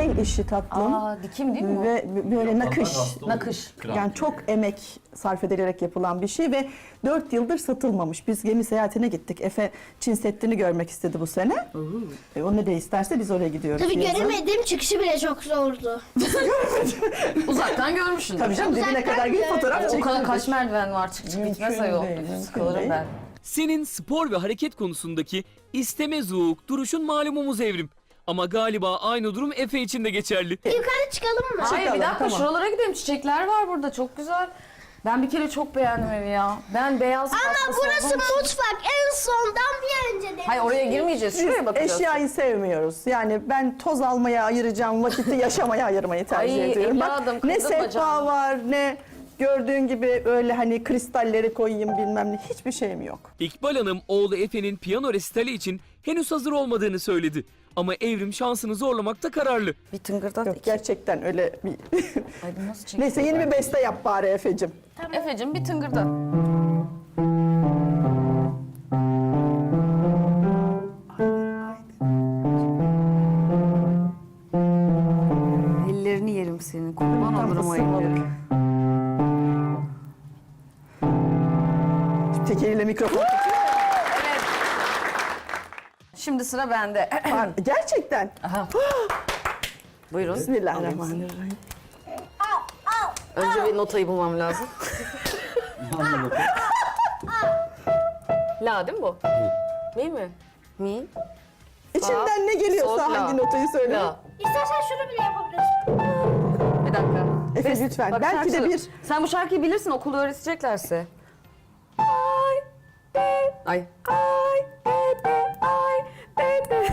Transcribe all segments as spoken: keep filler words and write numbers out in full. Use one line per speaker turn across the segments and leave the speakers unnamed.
El işi tatlım.
Aa, dikim değil mi o?
Ve böyle nakış.
Nakış.
Yani çok emek sarf edilerek yapılan bir şey ve dört yıldır satılmamış. Biz gemi seyahatine gittik. Efe Çin Seddi'ni görmek istedi bu sene. E, o ne de isterse biz oraya gidiyoruz.
Tabii
yazın.
göremedim, çıkışı bile çok zordu.
Uzaktan görmüşsün.
Tabii canım dibine
Uzaktan
kadar gidip
gördüm.
fotoğraf
O
çektirdik.
kadar kaç merdiven var, çık çık
Mümkün
bitmez ayol.
değil, mümkün
Sıkılırım
değil.
ben.
Senin spor ve hareket konusundaki isteme zouk duruşun malumumuz Evrim. Ama galiba aynı durum Efe için de geçerli.
Yukarı çıkalım mı?
Hayır bir
Çıkalım,
dakika
tamam.
şuralara gidelim. Çiçekler var burada çok güzel. Ben bir kere çok beğendim evi ya. Ben beyaz
Ama
kaplı
burası
sevdim.
mutfak. En sondan bir önce demiştim.
Hayır oraya girmeyeceğiz.
Biz
Şuraya bakacağız.
eşyayı sevmiyoruz. Yani ben toz almaya ayıracağım vakiti yaşamaya ayırmayı tercih
Ay,
ediyorum.
evladım,
Bak ne
kırdım
sehpa
bacağımı.
var ne gördüğün gibi öyle hani kristalleri koyayım bilmem ne hiçbir şeyim yok.
İkbal Hanım oğlu Efe'nin piyano resitali için henüz hazır olmadığını söyledi. Ama Evrim şansını zorlamakta kararlı.
Bir tıngırdat
Yok
iki.
gerçekten öyle bir...
Ay bu nasıl çekiyor?
Neyse yeni bir beste yap bari Efe'cim.
Efe'cim bir tıngırdat. Ellerini yerim senin. Kurban
Tam
olurum o
ısınmalık.
elleri.
Tek eliyle mikrofon tutuyor.
Şimdi sıra bende.
Pardon, gerçekten.
Aha. Buyurun.
Bismillahirrahmanirrahim.
Önce bir notayı bulmam lazım. La değil mi bu? Mi mi? Mi?
İçinden ne geliyorsa
Sol, la.
hangi notayı söyle.
La.
İstersen şunu bile yapabilirsin.
Bir dakika.
Efe
Bes-
lütfen.
Bak,
Belki de
şarkı-
bir...
Sen bu şarkıyı bilirsin okulda öğreteceklerse. Ay, be, ay, ay, bebe, ay, bebe.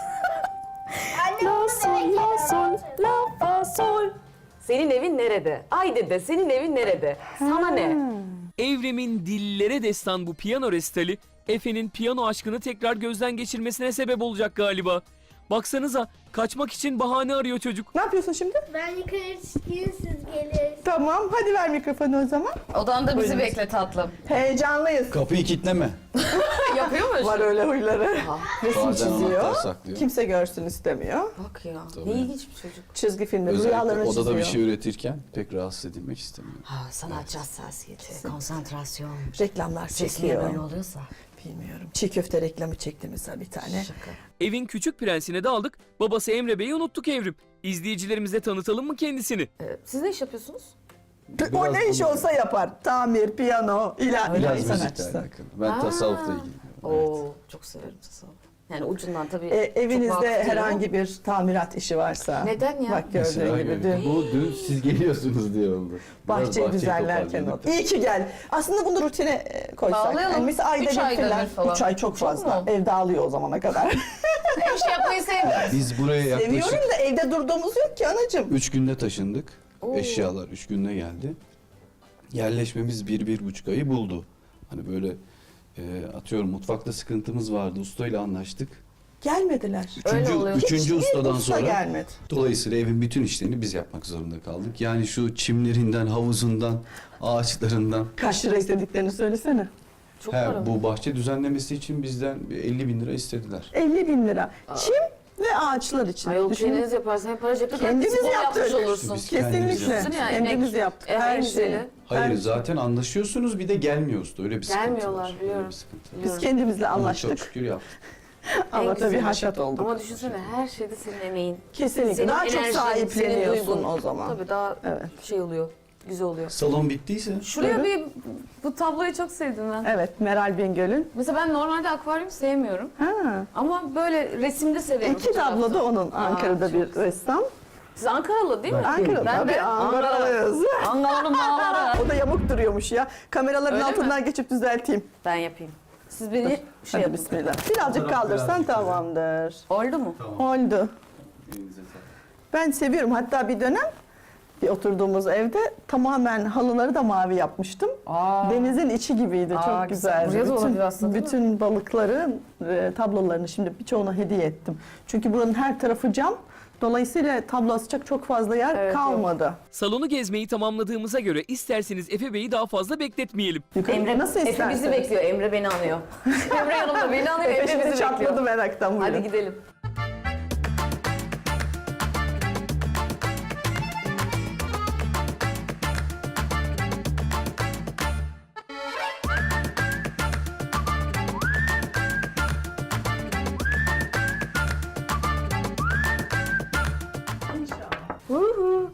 Annem
La
bunu
sol,
demek
la
ki-
sol, la fa sol. Senin evin nerede? Ay dede, senin evin nerede? Sana ne?
Evrim'in dillere destan bu piyano resitali Efe'nin piyano aşkını tekrar gözden geçirmesine sebep olacak galiba. Baksanıza kaçmak için bahane arıyor çocuk.
Ne yapıyorsun şimdi?
Ben yukarı çıkayım, siz gelin.
Tamam hadi ver mikrofonu o zaman.
Odanda bizi
Buyurun.
bekle tatlım.
Heyecanlıyız.
Kapıyı kilitleme.
Yapıyor mu?
Var öyle huyları. Resim
Bazen
çiziyor.
anahtar saklıyor.
Kimse görsün istemiyor.
Bak ya.
Tabii.
Ne ilginç bir çocuk.
Çizgi filmleri,
Özellikle
rüyalarını
odada
çiziyor.
bir şey üretirken pek rahatsız edilmek istemiyor.
Ha, sanatçı hassasiyeti, konsantrasyon.
Reklamlar
Ses niye
çekiyor.
böyle oluyorsa?
Bilmiyorum. Çiğ köfte reklamı çekti mesela bir tane.
Şaka.
Evin küçük prensine daldık. Babası Emre Bey'i unuttuk Evrim. İzleyicilerimize tanıtalım mı kendisini?
Ee, siz ne iş yapıyorsunuz?
O
Biraz
ne iş
bunu-
olsa yapar. Tamir, piyano, ilahi
Biraz müzikle
sanatçısı.
alakalı. Ben
Ha.
tasavvufla ilgiliyim. Evet.
Oo, çok severim tasavvuf. Yani ucundan tabii.
E,
çok
evinizde
vakıf değilim
herhangi bir tamirat işi varsa.
Neden ya?
Bak gördüğün
Mesela
gibi
gibi.
dün
Bu dün siz geliyorsunuz diye oldu. Biraz
bahçeyi
bahçeyi
düzenlerken
toparladık.
oldu. İyi ki gel. Aslında bunu rutine e, koysak.
Bağlayalım.
Yani mesela ayda
Üç
bir
ayda
falan.
bir falan.
Üç ay çok
Çok
fazla.
mu?
Ev dağılıyor o zamana kadar.
Bir şey yapmayı sevmiyorum.
Biz buraya yaklaşık
Seviyorum da evde durduğumuz yok ki anacığım.
üç günde taşındık.
Oo.
Eşyalar üç günde geldi. Yerleşmemiz bir, bir buçuk ayı buldu. Hani böyle e, atıyorum mutfakta sıkıntımız vardı. Ustayla anlaştık.
Gelmediler.
Öyle
Üçüncü,
oluyor.
üçüncü
Hiçbir
ustadan
usta
sonra
gelmedi.
dolayısıyla evin bütün işlerini biz yapmak zorunda kaldık. Yani şu çimlerinden, havuzundan, ağaçlarından.
Kaç lira istediklerini söylesene.
Çok
He,
para.
bu bahçe düzenlemesi için bizden bir elli bin lira istediler.
elli bin lira. Çim ve ağaçlar için.
Ayol
Düşünün.
kendiniz yaparsan hep para cepte.
Kendimiz
spor
yaptık.
yapmış olursun.
Biz kendimiz
Kesinlikle.
yaptık.
Ya,
Kendimiz
emek.
yaptık.
En
Her
güzeli.
şeyi.
Hayır
Her-
zaten anlaşıyorsunuz bir de gelmiyor usta. Öyle bir sıkıntı
Gelmiyorlar,
var. Öyle
biliyorum.
bir sıkıntı var.
Biz
Biliyorum.
kendimizle
Ama çok
anlaştık.
şükür yaptık.
Ama
En
tabii
güzeli.
haşat olduk.
Ama düşünsene her şeyde senin emeğin.
Kesinlikle.
Senin
Daha çok
enerjin,
sahipleniyorsun
senin duygun.
o zaman.
Tabii daha
Evet.
şey oluyor. Güzel oluyor.
Salon bittiyse
Şuraya bir bu tabloyu çok sevdim ben.
Evet, Meral Bingöl'ün.
Mesela ben normalde akvaryum sevmiyorum.
Ha.
Ama böyle resimde severim.
İki tablo da onun.
Aa,
Ankara'da
çok
bir ressam.
Siz Ankaralı değil mi?
Ankara
Ben
tabii
de
Ankaralıyız.
Ankara'nın bağları.
O da yamuk duruyormuş ya. Kameraların
Öyle
altından geçip düzelteyim.
Ben yapayım. Siz beni şey
Hadi
yapın.
bismillah. Birazcık kaldırsan tamamdır.
Oldu mu?
Oldu. Ben seviyorum. Hatta bir dönem bir oturduğumuz evde tamamen halıları da mavi yapmıştım.
Aa.
Denizin içi gibiydi.
Aa,
Çok
güzel.
güzeldi.
Buraya da olabilir aslında, değil mi?
bütün balıkların e, tablolarını şimdi birçoğuna hediye ettim. Çünkü buranın her tarafı cam. Dolayısıyla tablo asacak çok fazla yer
Evet,
kalmadı.
Salonu gezmeyi tamamladığımıza göre isterseniz Efe Bey'i daha fazla bekletmeyelim.
Yukarı
Emre
nasıl
Efe
isterseniz.
bizi bekliyor. Emre beni anıyor. Emre yanımda beni anıyor.
Efe
Emre
şimdi
bizi
çatladı
bekliyor.
meraktan.
Hadi
buyurun.
gidelim.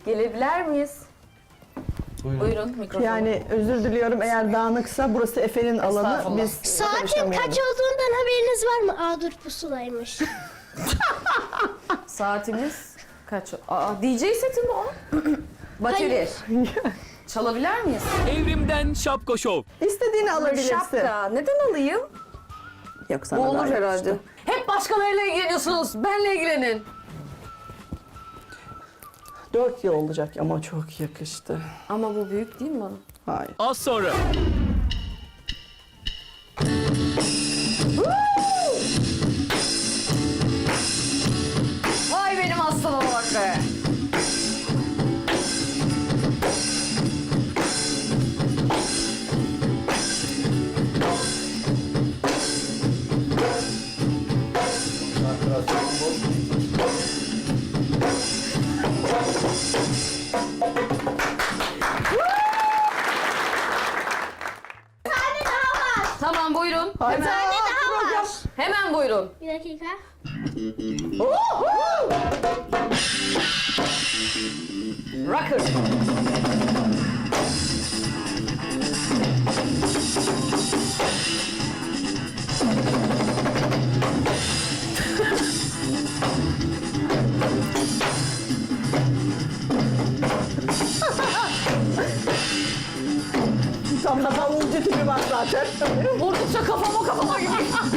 Gelebilir miyiz?
Buyurun.
Buyurun mikrofon.
Yani özür diliyorum eğer dağınıksa burası Efe'nin alanı.
Estağfurullah.
Biz
Saatin
konuşamıyoruz.
kaç olduğundan haberiniz var mı? Aa dur pusulaymış.
Saatimiz kaç? Aa, D J seti mi o? Bateri. Çalabilir miyiz?
Evrim'den Şapko Show.
İstediğini alabilirsin.
Şapka. Neden alayım?
Yok sana
Bu olur
daha
herhalde.
yakıştı.
Hep başkalarıyla ilgileniyorsunuz. Benle ilgilenin.
Dört yıl olacak ama çok yakıştı.
Ama bu büyük değil mi bana?
Hayır.
Az sonra.
Vay benim aslanıma bak be. Tamam buyurun.
Hayır.
Hemen,
Program.
hemen buyurun.
Bir dakika.
Rocker.
Tam da davulcu tipi var zaten.
Vurdukça kafama kafama gibi.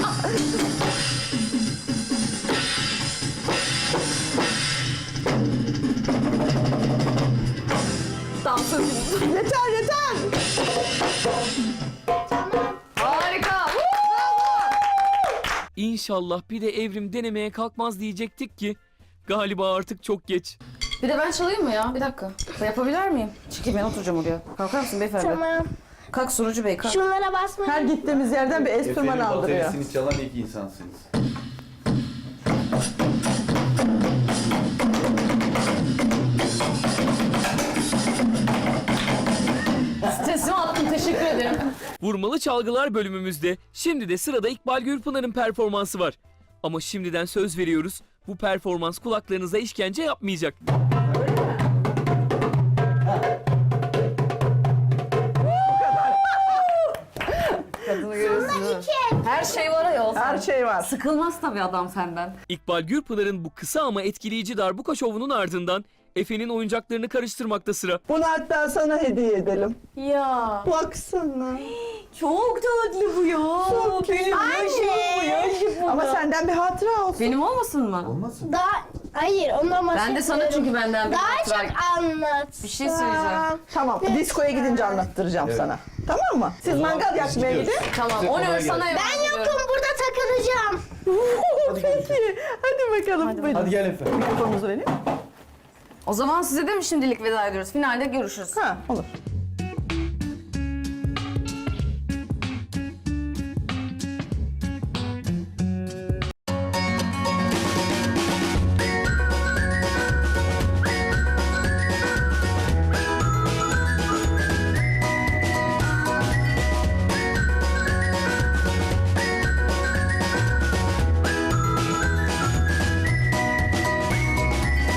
Dansöz.
Yeter yeter.
Harika.
İnşallah bir de Evrim denemeye kalkmaz diyecektik ki galiba artık çok geç.
Bir de ben çalayım mı ya? Bir dakika. Yapabilir miyim? Çekil ben oturacağım oraya. Kalkar mısın beyefendi?
Tamam.
Kalk sunucu bey kalk.
Şunlara basmayın.
Her gittiğimiz yerden bir enstrüman
Efe'nin
aldırıyor.
bataryasını çalan ilk insansınız.
Stresimi attım teşekkür ederim.
Vurmalı çalgılar bölümümüzde şimdi de sırada İkbal Gürpınar'ın performansı var. Ama şimdiden söz veriyoruz bu performans kulaklarınıza işkence yapmayacak.
Kadını görüyorsun değil mi? Her şey var ayol.
Her şey var.
Sıkılmaz tabii adam senden.
İkbal Gürpınar'ın bu kısa ama etkileyici darbuka şovunun ardından Efe'nin oyuncaklarını karıştırmakta sıra.
Bunu hatta sana hediye edelim.
Ya.
Baksana.
Çok tatlı bu ya.
Çok
Benim yaşım bu yaşım bu.
Ama senden bir hatıra olsun.
Benim olmasın mı?
Olmasın?
Daha hayır ondan
Ben de sana çünkü benden bir
Daha
hatıra-
çok anlat.
Bir şey söyleyeceğim.
Tamam, diskoya gidince anlattıracağım
Evet.
sana. Tamam mı? Siz
zaman
mangal
biz
yakmaya
gidiyoruz.
gidin.
Tamam.
Size
O
kolay
ne
gelsin.
sana
Ben yokum burada takılacağım.
Peki, hadi bakalım. Buyurun.
Hadi gel Efe.
Mikrofonunuzu vereyim.
O zaman size de mi şimdilik veda ediyoruz? Finalde görüşürüz.
Ha, olur.